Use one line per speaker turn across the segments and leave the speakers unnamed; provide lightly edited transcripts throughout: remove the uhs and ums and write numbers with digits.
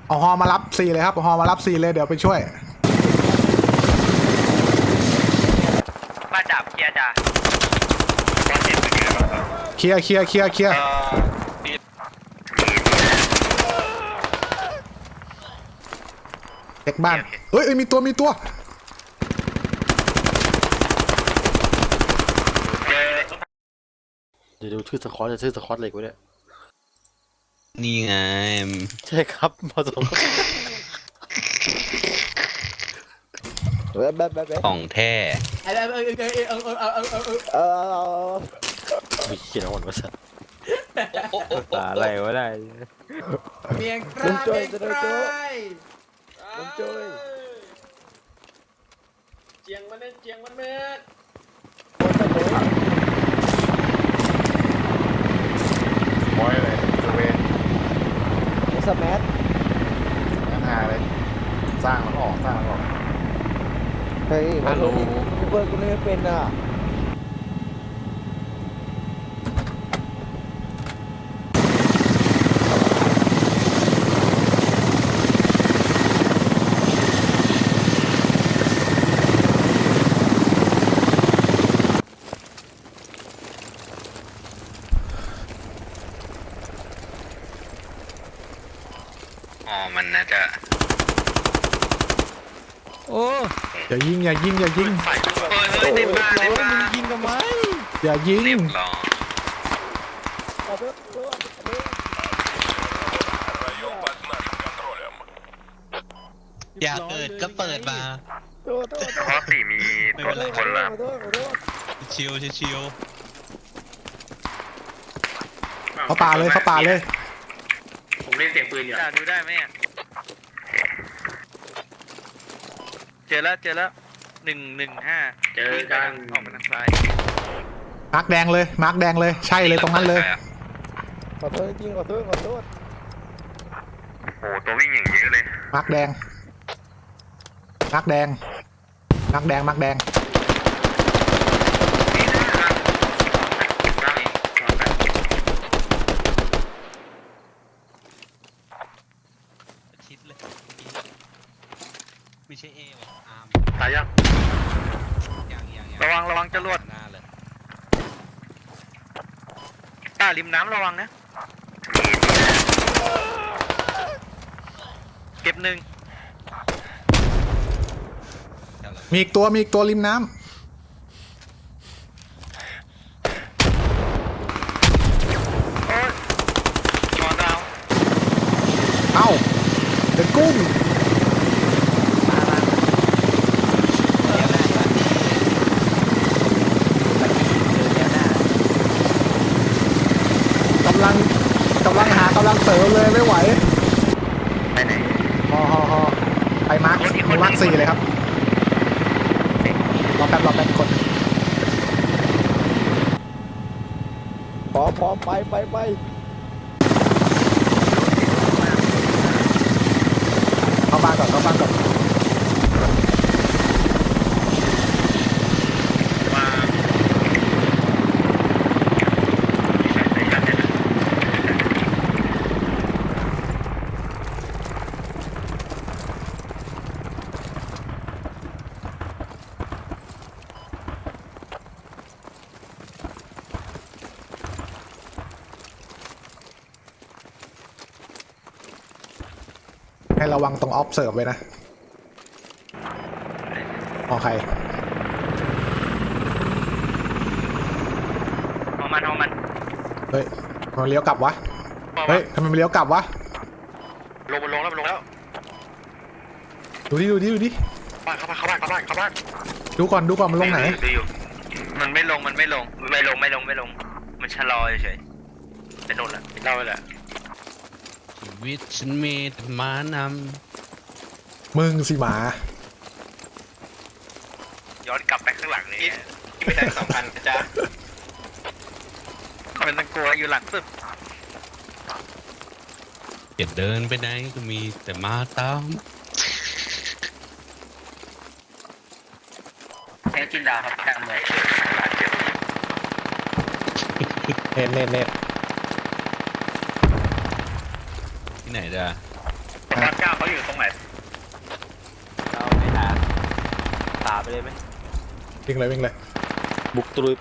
เอาฮอมารับ4เลยครับเอาฮอมารับ4เลยเดี๋ยวไปช่วย
บ้านดับเคลียร์จ้ะ
เคลียร์เด็กบ้านเอ้ยมีตัว
เดี๋ยวดูชื่อสควอตจะชื่อสควอตอะไรกูเนี่ย
นี่ไง
ใช่ครับมาส่งแบบ
ของแท้
มีเขียนเอาหมดมาสัตว์
ตาอะไรวะได้
เมียงกล้าเมียงกล้า
มันจ้อย
เจียงมันเม็ดเจียงมันเม็ด
บอยเลยตัวเวน
สแมัท
งานเลยสร้างมันออก
เฮ้ยฮัลโหลกูเปิดกูไม่เป็นอ่ะ
อ๋อมันน่าจะ
โอ้
อย่ายิง
เฮ้ยในบ้าน
ยิงทำไม
อย่ายิง
เรียบร้อย
อยากเปิดก็เปิดมา
เพราะสี่มีตัวคนละ
ชิวชิว
เขาป่าเลย
ผมเล่นเสียงปืนอยู่
จะดูได้ไหมเนี่ยเจอแล้ว115
เจอกัน
ออกมาทางซ้าย
มาร์กแดงเลยใช่เลยตรงนั้นเลย
ขอโทษจริงขอโทษ
โอ้โหตัววิ่งอย่างเยอะเลย
มาร์กแดง
ชิดเลยไม่ใช่เอวอาร์ม
ตายยัง
อย่าง
ระวังจรวด
หน้าเลย
ริมน้ำระวังนะเก็บหนึ่ง
มีอีกตัวริมน้ำ
โอ้ยนอนดาว
เอ้าเด็กกุ้งกำลังเสริมเลยไม่ไหว
ไปไหน
ฮอไปมาร์ค4เลยครับรอแป๊บกด
พร้อมไป
เข้าบ้านก่อน
มา
ให้ระวังตรงออฟเสิร์ฟไว้นะโอเค
เอามัน
เฮ้ยมันเลี้ยวกลับวะเฮ้ยทำไมมันเลี้ยวกลับวะ
ลงแล้ว
ดูดิ
บ้านเข้าบ้าน
ดูก่อนมันลงไหน
ดูอยู่มันไม่ลงมันชะลอเฉยไปโน่นละเล่าไปแหละ
ชีวิตฉันมีแต่มาน
มึงสิหมา
ย้อนกลับไปข้างหลังเลยไม่ได้2,000จ้ามันตะกัวอยู่หลังสุด
ำจะเดินไปไหนก็มีแต่มาตาม
แค่จินดาครับกลางเมือง
เน็ต
ที่ไหนจ้ะ
9
เลยไหม
วิ่งเลยวิ่งเลย
บุกตรุยไป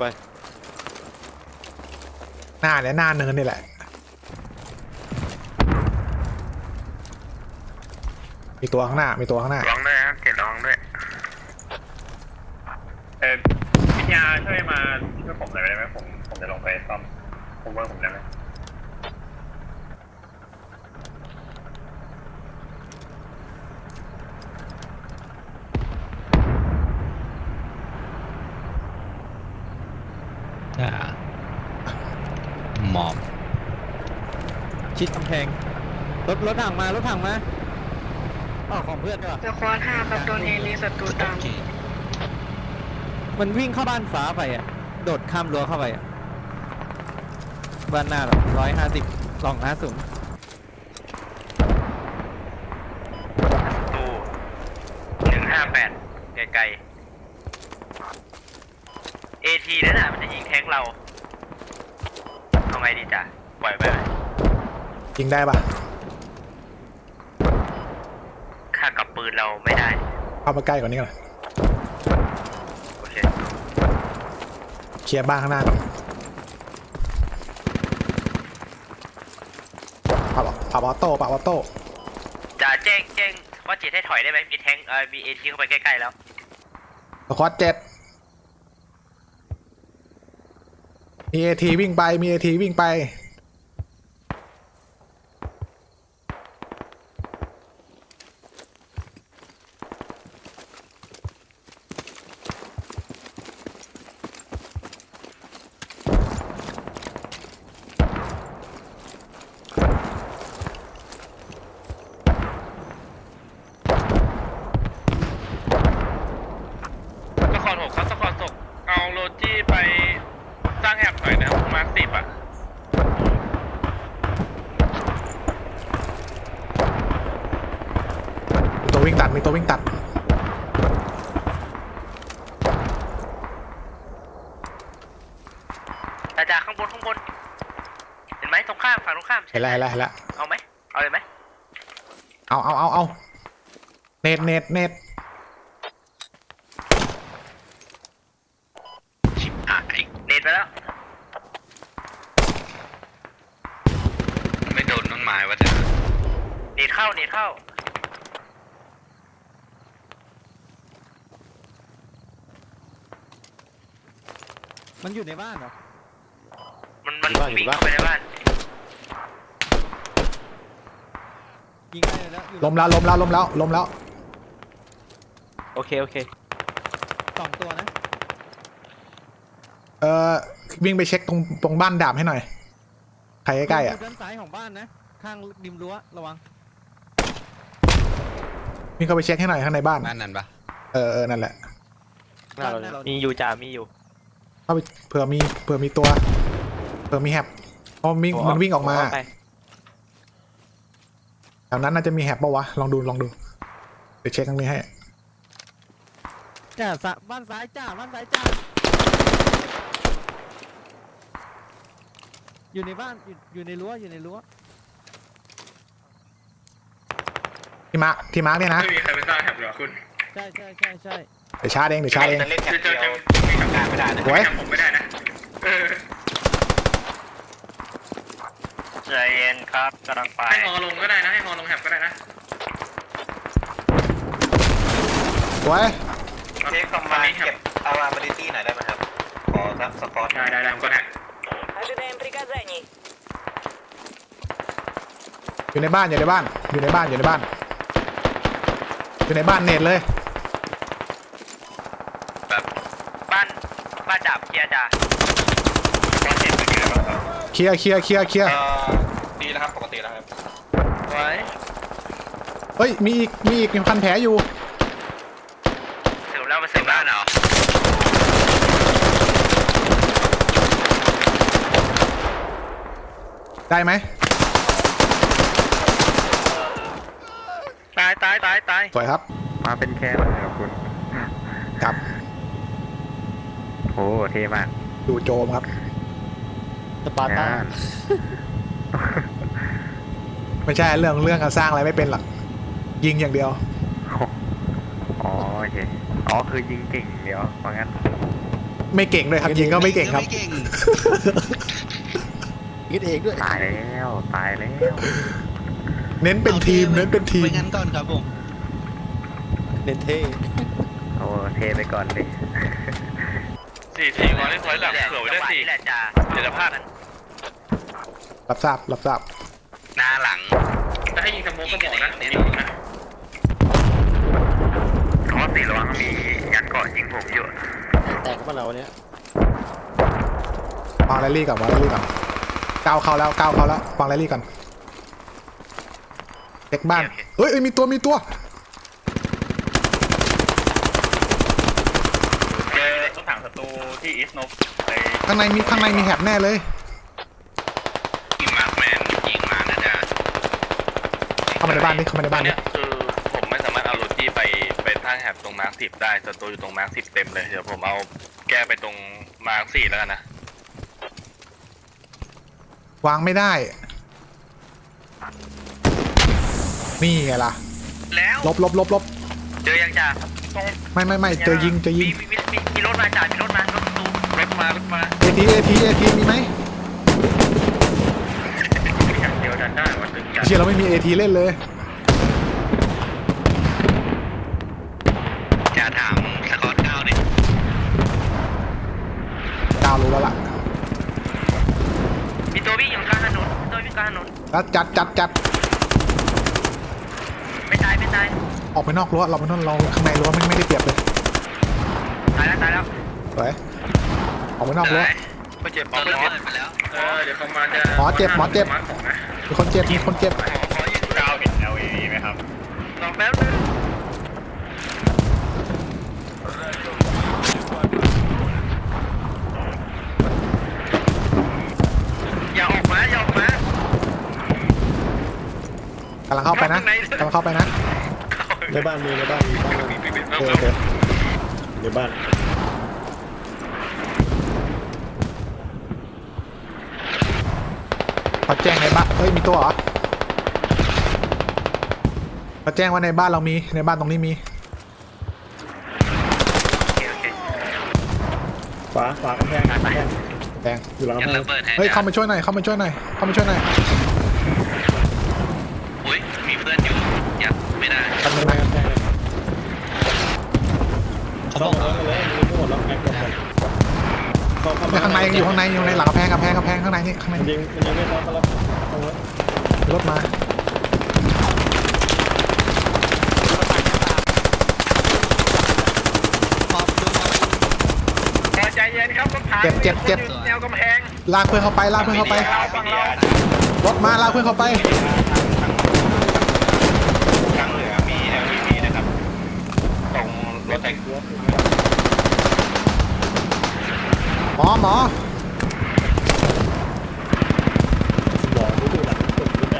หน้าเนี่ยหน้าเนินนี่แหละมีตัวข้างหน้ามีตัวข้างหน้า
ร้องด้วยครับเจ็ดร้องด้วยวิทยาช่วยมาช่วยผมหน่อยได้ไหมผมจะลงไปซ่อมผมว่าผมได้ไหม
อ่าหมอบ
ชิดกำแพงรถถังมารถถังมาอ๋อของเพื่อนก็
สควอต5ครับโดนเอลีศัตรู
โอ
ตาม
เค
มันวิ่งเข้าบ้านฟ้าไปอ่ะโดดข้ามรั้วเข้าไปอ่ะบ้านหน้าหรอ150 250
ตู้158ไกลๆ AT นั่นน่ะมันจะยิงแทงเราเอาไงดีจ้ะปล่อยไปไหม
ยิงได้ปะ
ค่ากับปืนเราไม่ได้
เข้ามาใกล้กว่านี้ก่อน
โอเค
เคลียร์บ้านข้างหน้าก่อนปรับออโต้ปรับออโต้
จะแจ้งว่าจีให้ถอยได้ไหมมีแทงมี AT เข้าไปใกล้ๆแล้ว
สควอต7มีเอทีวิ่งไปมีเอทีวิ่งไป
สคอร์6ครับสคอร์6เอาโรจี้ไปสร้างแอบหน่อยนะมา10อ่ะ
มีตัววิ่งตัดมีตัววิ่งตัด
อาจารย์ข้างบนเห็นไหมตรงข้ามฝั่งตรงข้าม
เห็นแล้วเห็นแล้วเห็นแล้ว
เอาไหมเอาเลยไหม
เอาเน็ต
ชิบหายเน็ตไปแล้ว
ไม่โดนต้นไม้วะแต่
เน็ตเข้า
มันอยู่ในบ้านเหรอ
มันวิ่งเข้าไปในบ้าน
ยิงได้เลยแล้วอยู่
ล้มแล้ว
โอเค
2 ตัวนะ
วิ่งไปเช็คตรงบ้านดาบให้หน่อยใครใกล้ๆอ่ะ
ยู่ด้านซ้ายของบ้านนะข้างริมรั้วระวัง
วิ่งเข้าไปเช็คให้หน่อยข้างในบ้าน
บ้านนั้นปะ
นั่นแหละ
หน้าเราเนี่ยมีอยู่จ่ามีอยู่
เข้าไปเผื่อมีตัวเผื่อมีแฮปเพราะมันวิ่งออกมา
ไป
แถวนั้นน่าจะมีแฮปปะวะลองดูเดี๋ยวเช็คตรงนี้ให้
จ้าบ้านซ้ายจ้าอยู่ในบ้านอยู่ในรั้ว
ที่มาร์คเนี่ยนะ
ไม่มีใครไปสร้างแถบหรอคุณ
ใช่
เดี๋ยวชาร์จเอง
จะเล่นแถบเดียวไม่ทำงานไม่ได้นะ
สวย
ผมไม่ได้นะใจเย็นครับกำลังไปให้ฮอลงก็ได้นะให้ฮอลงแถบก็ได้นะ
สวย
เช็คคอมมาเก็บเอาอาร์มาดิตี้หน่อยได้ไหมครับขอสักสปอร์ตได้ผมก็ได้
Ожидаем приказаний.
อยู่ในบ้านเน็ตเลย
แบบบ้านจับเคลียร์จ้ะ
เคลียร์
ดีแล้วครับปกติแล้วครับไว้
เฮ้ยมีอีกพันแผลอยู่
เสร็จแล้วมาเสร็จบ้านเหรอ
ได้ไหม
ตาย
สวยครับ
มาเป็นแค่เลยครับคุณ
กับ
โอ้เท่มาก
ดูโจมครับ
สปาร์ต้า
ไม่ใช่เรื่องการสร้างอะไรไม่เป็นหรอกยิงอย่างเดียว
อ๋อเคอ๋อคือยิงเก่งเดี๋ยวเพราะงั้น
ไม่เก่งด้วยครับยิงก็ไม่เก่งครับ
ไม่เก่ง
คิดเองด้วย
ตายแล้วตายแล้ว
เน้นเป็นทีมเน้นเป็นทีม
ไปงั้นก่อนครับผม
เน้นเท่
โอ้เทไปก่อนเลย
4 วางเล่นถอยหลังเผื่อไว้ได้4แหละจ้าเดี๋ยวจะพลาด
รับทราบรับทราบ
หน้าหลัง
จะให้ยิงสโมกก็บอกนะยิงนะ
เพราะสีระวังมียัดเกาะยิงผมอยู่
แตกเข้ามาเราเนี้ยว
างแรลลี่ก่อนวางแรลลี่ก่อนก้าวเข้าแล้วก้าวเข้าแล้ววางแรลลี่ก่อนเช็คบ้านเฮ้ยมีตัวมีตัว
เจอรถถังศัตรูที่อีสโนไป
ข้างในมีแฮบแน่เลย
ยิงมาร์คแมนยิงมานะจ๊ะ
เข้ามาในบ้านนี่เข้ามาในบ้าน
เนี่
นี่
ยคือผมไม่สามารถเอาโรจี้ไปตั้งแฮบตรงมาร์ค10ได้ศัตรูอยู่ตรงมาร์ค10เต็มเลยเดี๋ยวผมเอาแก้ไปตรงมาร์ค4แล้วกันนะ
วางไม่ได้นี่ไงล่ะ
แล้ว
ลบ
เจอยังจ้า
ไม่เจอยิง
มีรถมาจ่ามีรถมารถประตูรถมา
เอทีมีไหม
อย่างเดียวดันได้วันถึงจะ
เชียเราไม่มีเอทีเล่นเลย
จ่าถามสกอตเก้าดิ
ดาวรู้แล้วล่ะ
มีตัววิ่งอยู่กลางถนนตัววิ่งกลางถนน
แล้วจัด
ไม่ตาย
ออกไปนอกรั้วเราไปนอกเราข้างในรั้วไม่ได้เปรียบเลย
ตายแล้ว
สวยออกไปนอกรั้ว
ไม่เจ็บ
ตอนระเบิดไปแล้ว
เดี๋ยวประมาณจะ
หมอเจ็บ
มาร์ค2นะ
มีคนเจ็บ
ขอยิงดาวเห็น LAV ไหมครับ
ลองแป๊บนึงอย่าออกมาก
ำลังเข้าไปนะ
ในบ้านมีบ้านโอเคในบ้าน
เขาแจ้งในบ้านเฮ้ยมีตัวเหรอเขาแจ้งว่าในบ้านเรามีในบ้านตรงนี้มี
ฝากำแพง
แดง
อยู่หลัง
ยั
กำ
ง
แพง
ระเบิดให้
เฮ้ยเข้ามาช่วยหน่อย
อุ้ยมีเพื่อนอยู่ยัดไม่ได้
แป๊บนึง
กำแพ
นะ
งเลย
เขา
เข้า
บอก
มาเลยมีหมดแล้วแม็กซ์เข้า
ข้างในยังอยู่ข้างในหลังกำแพงข้างในนี่ข้างใน
มันยังไม่เข้าแล้วเข้าแล้ว
รถมา
พอดูมา
ใจเย็นครับรถถัง
เจ็บ
แนวกำแพง
ลากเพื่อนเข้าไปรถมาลากเพื่อนเข้าไป
ทางเหนือมี LAV นะครับตรงรถแท็กซี่
หมอ
บอกดูหลังสุดแบบ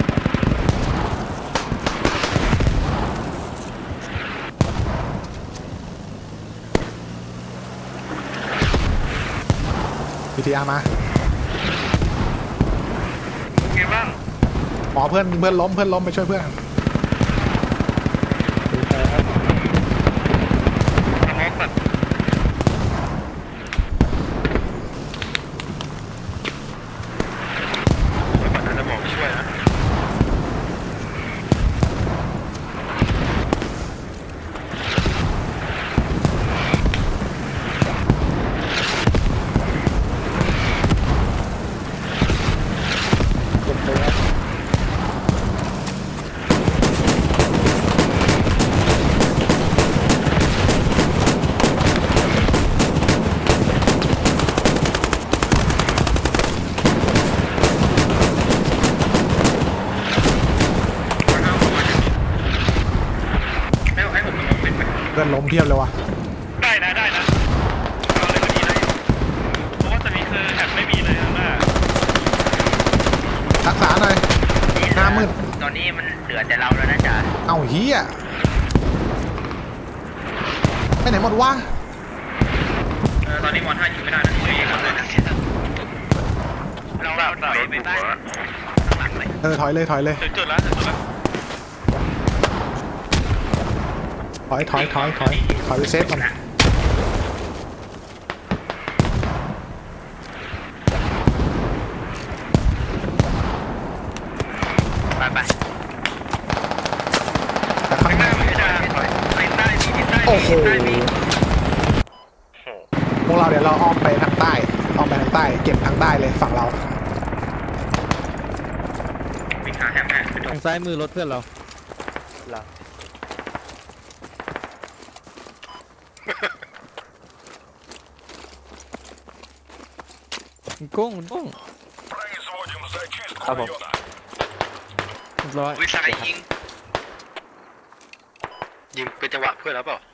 พีทีอาร์มา
ไงบ้าง
หมอเพื่อนล้มไปช่วยเพื่อน
มีใครครับ
สมองแบบ
ก่อนจะบอกช่วยนะ
กดเลยครับ
ให้ผมสมองปิดไหม
เพื่อนล้มเพียบเลยว่ะ
ได้นะเอาเลยก็ดีเลยเพราะว่าตอนนี้คือแอบไม่มีเลยข้างหน้า
รักษาหน่อยหน้ามืด
ตอนนี้มันเหลือแต่เราแล้วนะจ๊ะ
เอ้าเฮียไปไหนหมดวะ
ตอนนี้มอน5ยิงไม่ได้นะช่วยยิงครับเลยนะ
เราถอยไปบ้านข้างหลังเลย
ถอยเลย
ถึงจุดแล้ว
ถอยไปเซฟก่อน
ไปไป
แต่ข้างหน้า
ไม่ได้ไปใต้มีทิศใต้
โอ้โห
ทิศใต้มี
พวกเราเดี๋ยวเราอ้อมไปทางใต้เก็บทางใต้เลยฝั่งเรา
วิ่งหาแฮมแม่ไปดู
ทางซ้ายมือรถเพื่อนเรามันโก้ง
ครับผม
เรียบร้อย
วิสัยยิงเป็นจังหวะเพื่อนแล้วเปล่า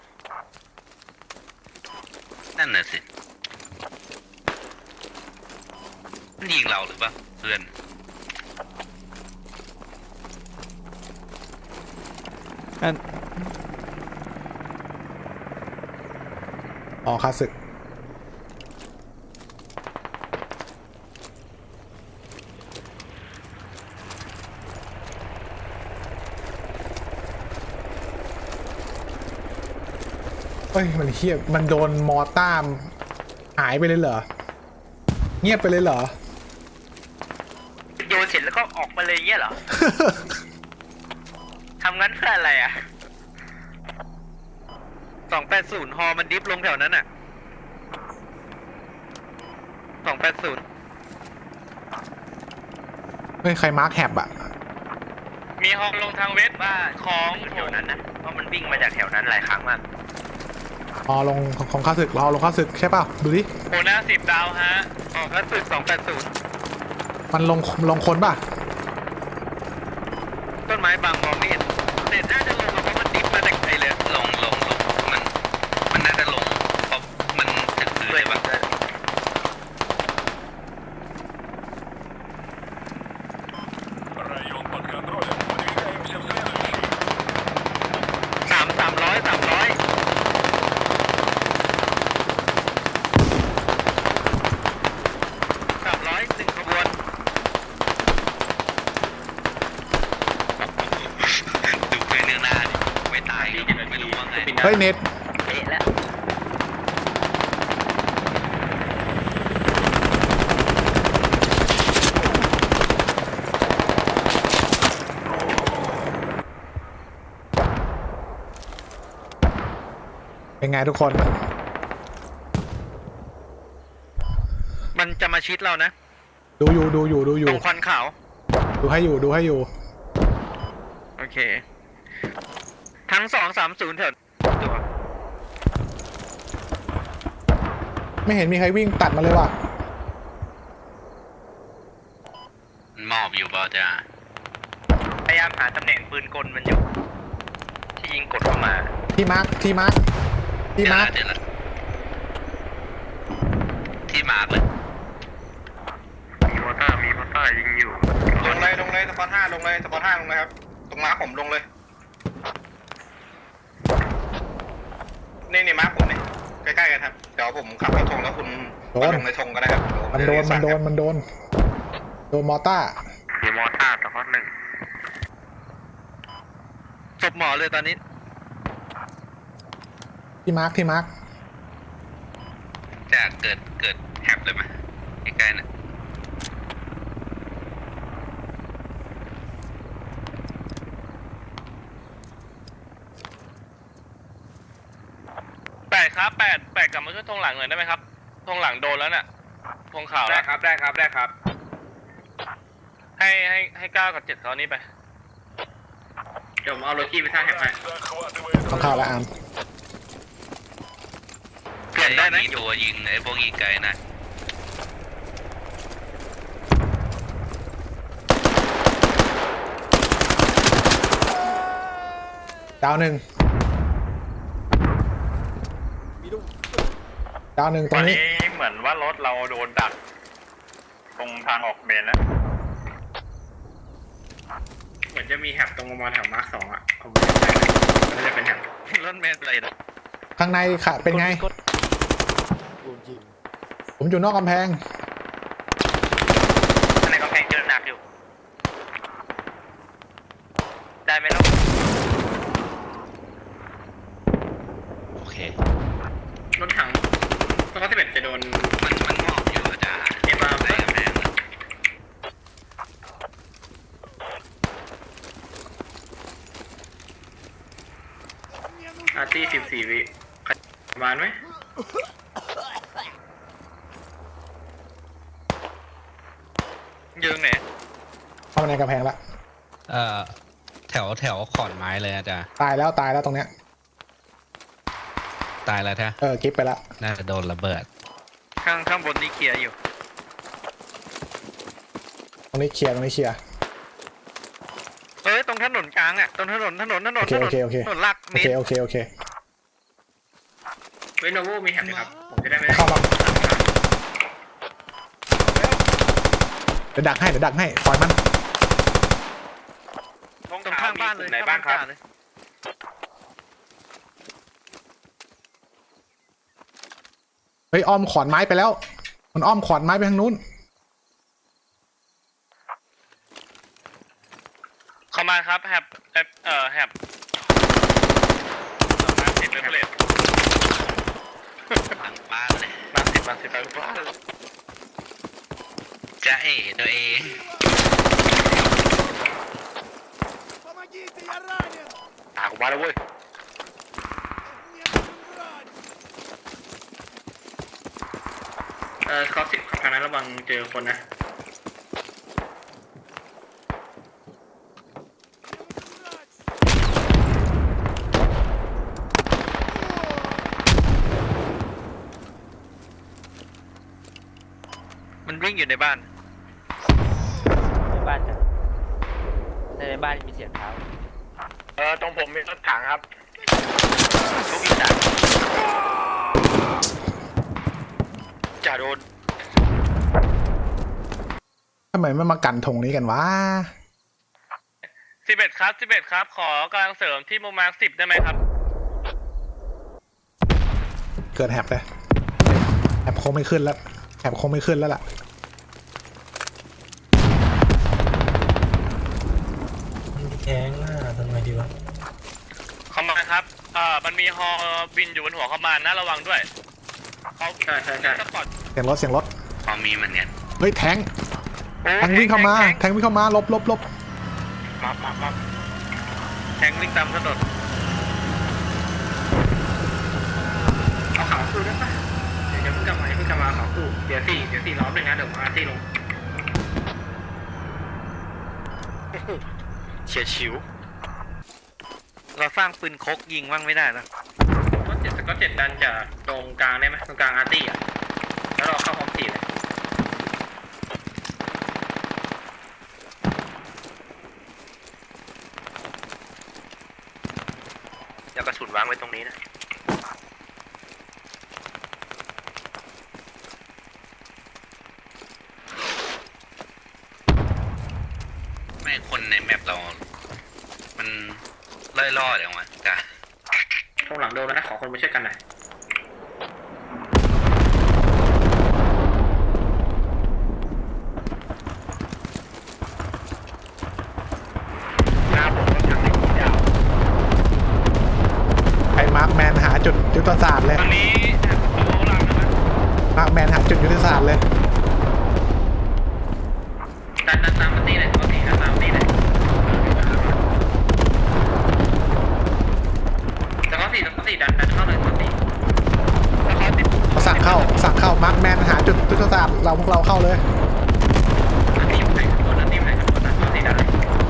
นั่นน่ะสิมันยิงเราหรือเปล่าเพื่อน
อัน
อ๋อคาสึกเฮ้ยมันเฮียมันโดนมอต้ามหายไปเลยเหรอเงียบไปเลยเหรอ
โยนเสร็จแล้วก็ออกมาเลยเงี้ยเหรอ ทำงั้นเพื่ออะไรอ่ะ
280ฮอมันดิฟลงแถวนั้นอ่ะ280
เฮ้ยใครมาร์คแฮบอะ
มีฮอลงทางเวสบ้าของ
แถวนั้นนะเพราะมันวิ่งมาจากแถวนั้นหลายครั้งมาก
อ๋อลงของคาสึกเราลงคาสึกใช่เปล่าดูดิ
โหน้า10 ดาวฮะ
ออกแล้วสึก280
มันลงคนป่ะ
ต้นไม้บางมองไม่เห็นเน็ตน่าจะลงมาเพราะมันดิฟมาจากไกลเลย
ลงมันน่าจะลงเพราะมันถึงพื้นเลยปะ
1ขบวน
ดูเพื่อนเนื้อหน้าดิไม่ตายก็ไม่รู้ว่าไง
เฮ้ยเน็ต
เอ๊ะแล้ว
เป็นไงทุกคน
มันจะมาชิดเรานะ
ดูอยู่
ตรงควันขาว
ดูให้อยู่
โอเค ทั้ง230แถวตัว
ไม่เห็นมีใครวิ่งตัดมาเลยว่ะ
มันมอบอยู่เปล่าจ้า
พยายามหาตำแหน่งปืนกลมันอยู่ ที่ยิงกดเข้ามา
ที่มาร์ค
เดี๋ยวละที่มาร์กเลย
มีมอเตอร์ยิงอยู่
ลงเลยสปอร์ต5ลงเลยครับ ตรงม้าผมลงเลย นี่ม้าผมนี่ใกล้ๆกันครับ เดี๋ยวผมขับเข้าธงแล้วคุณ
โดน
ลงในธงก็ได้ครับ
มันโดนมอต้า
มีมอเตอร์แต่ข้อหนึ่ง
ศพหมอเลยตอนนี้
ที่มาร์ค
จะเกิดแฮปเลยไหมใกล้ๆน่ะ
8ครับ8กลับมาช่วยธงหลังหน่อยได้ไหมครับธงหลังโดนแล้วน่ะธงขาวได้ครับได้ครับ ให้9กับ7เขานี้ไป
เดี๋ยวผมเอาโรจี้ไปท่าแฮมให้
ต้องเข้าแล้วอาม
เปลี่ยนได้นะ
มีตัวยิงไอ้พวกยิงไกลนะ
ดาวหนึ่งตรง
ตอน
นี้
นี้เหมือนว่ารถเราโดนดัก ตรงทางออกเมนแล้ว
เหมือนจะมีแฮปตรงประมาณแถวมาร์ค2อ่ะผมไม่แน่ใจนะมันน่าจะเป็นแฮป
รถเมล์อะไรนะ
ข้างในค่ะเป็นไง ผมอยู่นอกกำแพง
ข้างในกำแพงเจอหนักอยู่ ได้ไหมลูก
เค
รถถังสกอต11จะโดน
มันมองอยู่อาจารย์
เอ็มอาร์
ใส่กำแพงอะ
อาร์ตี้14 วิใครมาไหม
ยืงไหน
เข้ามาในกำแพงละ
แถวขอนไม้เลยอาจารย์
ตายแล้วตรงเนี้ย
ตายแล้วแท้
กิ๊บไปละ
น่าจะโดนระเบิด
ข้างบนนี่เคลียร์อยู่
ตรงนี้เคลียร์ตรงนี้เคลียร์
ตรงถนนกลางอ่ะตรงถนน
โอเค
ถนนลาก
โอ
เม
เค
ตร
โอเค
เวโนโวมีแฮปไหมครับ ผมจะได้ไม่
เข้ามาเดี๋ยวดักให้ปล่อยมัน
ตรงข้างบ้านเลย
ไหนบ้างครับ
เลย
เฮ้ยอ้อมขอนไม้ไปแล้วมันอ้อมขอนไม้ไปทางนู้น
เข้ามาครับแฮบแฮบมาร์ค10เลยเพลท
หลังบ้านเลย
มาร์ค10ไปบ้าน
จะเอ๋ตัวเอง
ตากูมาแล้วเว้ย
สกอต10ครับทางนั้นระวังเจอคนนะ
มันวิ่งอยู่ในบ้าน
ในบ้านจ้ะในบ้านมีเสียงเท้า
ตรงผมมีรถถังครับ
ทุกอีสาน
จ่าโดน
ทำไมไม่มากันธงนี้กันวะ
11ครับ ขอกำลังเสริมที่มุมมาร์ค10ได้ไหมครับ
เกิดแฮปเลยแฮปคงไม่ขึ้นแล้วล่ะ
แข้งหน้าทำไงดีวะ
เข้ามาครับ มันมีฮอบินอยู่บนหัวเข้ามานะระวังด้วยเขา
ใช่
สปอร์ต
เสียงรถ
พอมีเหมือนกัน
เฮ้ยแทงวิ่งเข้ามาลบ
มา
แทงวิ่งตามถนน
เอาขาวสู้ได้ปะเดี๋ยวเพิ่งกลับมาขาวสู้เดี๋ยว4ล้อมเลยนะเดี๋ยวอาร์ตี้ลง
เฉียดฉิว
เราสร้างปืนคกยิงบ้างไม่ได้นะ
สกอต7ดันจากตรงกลางได้ไหมตรงกลางอาร์ตี้อ่ะแล้วเราเข้าพร้อม4เลย
อย่ากระสุนวางไว้ตรงนี้นะ
ไม่คนในแมปเรา มันล่อๆเดี๋ยวมาจ้ะ
ตรงหลังโดนแล้วนะขอคนมาช่วยกันหน่อย
หน้าผมรถถังในที่ยาว
ไอ้มาร์คแมนหาจุดยุทธศาสตร์เลย
ตอนนี้แฮบโอ้ลังนะ
มาร์คแมนหาจุดยุทธศาสตร์เลย
ดันตามอาร์ตี้เลยสกอต4ดันตามอาร์ตี้เลยสกอต4ดันเข้าเลยสกอต4
สั่งเข้ามาร์คแมนหาจุดยุทธศาสตร์พวกเราเข้าเลย
อาร์ตี้อยู่ไหนกันบนอาร์ตี้อยู่ไหนกันบนนะสกอต4ดันเลย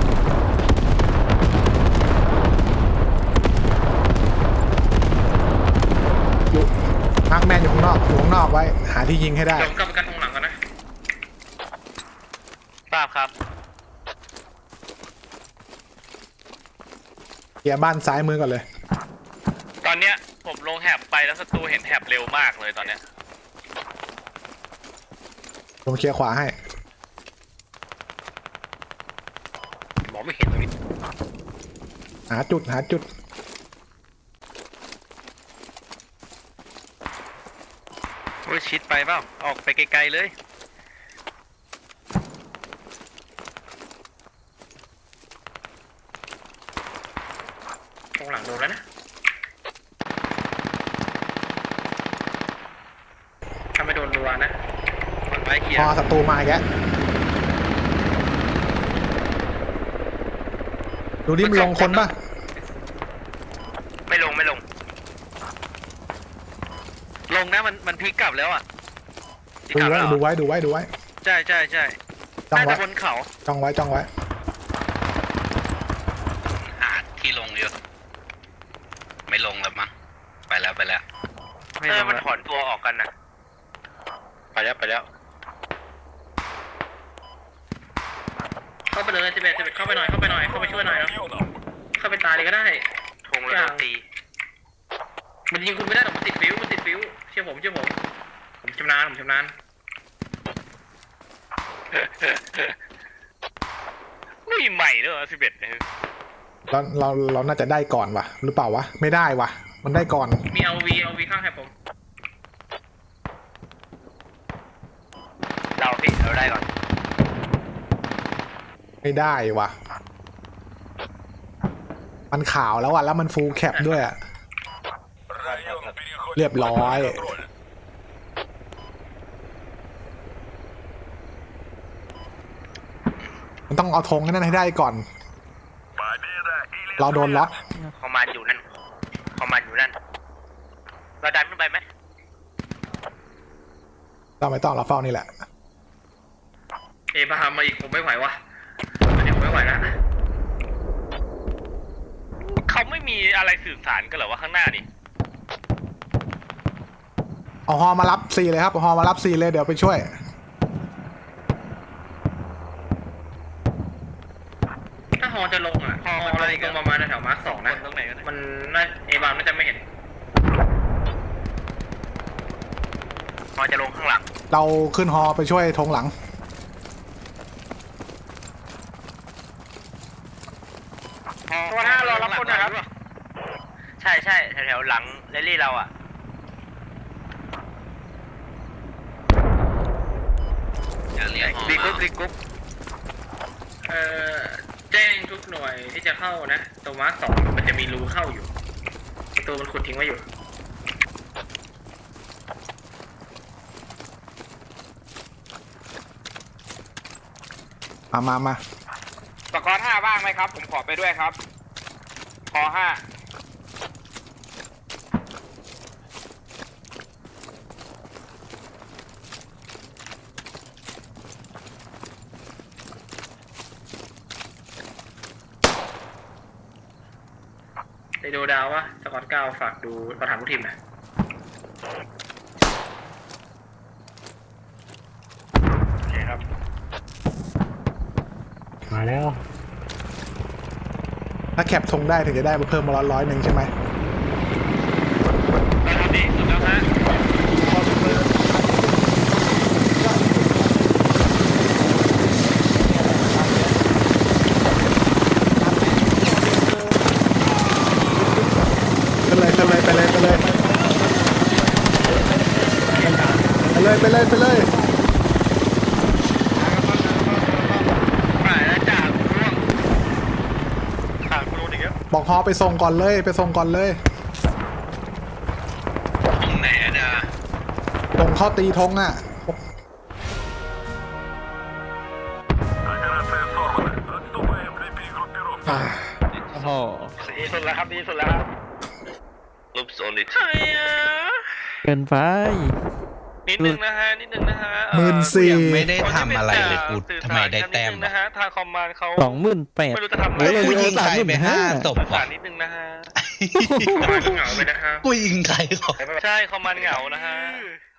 อยู่มาร์คแมนอยู่ข้างนอกไว้ หาที่ยิงให้ได้
เดี๋ยวผมกลับไปกันตรงหลังก่อนนะ
ทราบครับ
เคลียร์บ้านซ้ายมือก่อนเลย
ตอนเนี้ยผมลงแฮบไปแล้วศัตรูเห็นแฮบเร็วมากเลยตอนเนี้ย
ผมเคลียร์ขวาให้
มองไม่เห็นตรงนี้
หาจุด
โอ้ยชิดไปเปล่าออกไปไกลๆเลย
ตรงหลังโดนแล้วนะวานะ
มันไม้เขีย
พ
ว
อศัตรูมาอีกแล้วดูดิมันลงคนป่ะ
ไม่ลงลงนะมันพลิกกลับแล้วอ่ะพลิก
ดู
กลับ
ไว้
แล้ว
ดูไว้ดูไว้ดูไว้
ใช่
จ้อง
น่า
ไว้
จะบนเขา
จ้องไว้จ้องไว้
หาที่ลงเยอะไม่ลงแล้วมั้งไปแล้ว
มันถอนตัวออกกันนะไปแล้ว
เข้าไปเลย11เข้าไปหน่อยเข้าไปช่วยหน่อยนะเข้าไปตายเลยก็ได้
ทงแล้วโดนตี
มันยิงคุณไม่ได้หรอกมันติดฟิวเชื่อผมผมชำนาญ
ไม่ใหม่ด้วย11
เราน่าจะได้ก่อนวะหรือเปล่าวะไม่ได้วะมันได้ก่อน
มีเอาวีข้างแถบผม
เราได้ก่อน
ไม่ได้วะมันขาวแล้วอะแล้วมันฟูลแคปด้วยอะเรียบร้อยมันต้องเอาธงนั้นให้ได้ก่อนเราโดนล็อก
คอมมานด์อยู่นั่นเราดันขึ้นไปไหม
เราไม่ต้องเราเฝ้านี่แหละ
บาฮามมาอีกผมไม่ไหววะเดี๋ยวผมไม่ไหวแล้ว
เขาไม่มีอะไรสื่อสารกันเหรอว่าข้างหน้านี่
เอาฮอมารับซีเลยครับเอาฮอมารับซีเลยเดี๋ยวไปช่วย
ถ้าฮอจะลงฮอเราลงประมาณแถวมาร์ค2นะมันน่าบามน่าจะไม่เห็น
ฮอจะลงข้างหลัง
เราขึ้นฮอไปช่วยธงหลัง
ตัวหน้ารอรับคนนะครับใช่แถวหลังเรลลี่เราอ่ะ
อย่าเรียกหอ
รีก
มา
รุ๊ป
แจ้งทุกหน่วยที่จะเข้านะตรงมาร์ค2มันจะมีรูเข้าอยู่ประตูมันขุดทิ้งไว้อยู่
มา
สกอร์5บ้างไหมครับผมขอไปด้วยครับขอ5
ไปดูดาวว่าสกอต9ฝากดูประธานผู้ทีมหน่อย
โอเคครับ
มาแล้ว
ถ้าแคปธงได้ถึงจะได้มาเพิ่มมา100ใช่ไหม
ตอนนี้สุดแล้วฮะ
ไปเลยไปเลย
หายแล้วจ่าร่วงขาดคุณรู้อีกแล้ว
บอกฮอไปส่งก่อนเลย
ตรงไหนอะเนี่ย
ส่งเข้าตีธงอ่ะ
โอ้โห
ดีสุดแล้วครับ
รูปโซนิท
ใช่อ่ะ
เกินไป
นิดนึงนะฮะ
14,000
ไม่ได้ทำอะไรเลยกูทำไมได้แต้ม
นะฮะทางคอมมานด์เขา
28,000
ไม่รู้จะทำอะไร
โอ้ย
กูยิงใครไป5ศพ
สื่อสา
ว่ะ
รนิดนึงนะฮะ
เหงาไปนะครับ
กูยิงใครเขา
ใช่คอมมานด์เหงานะฮะ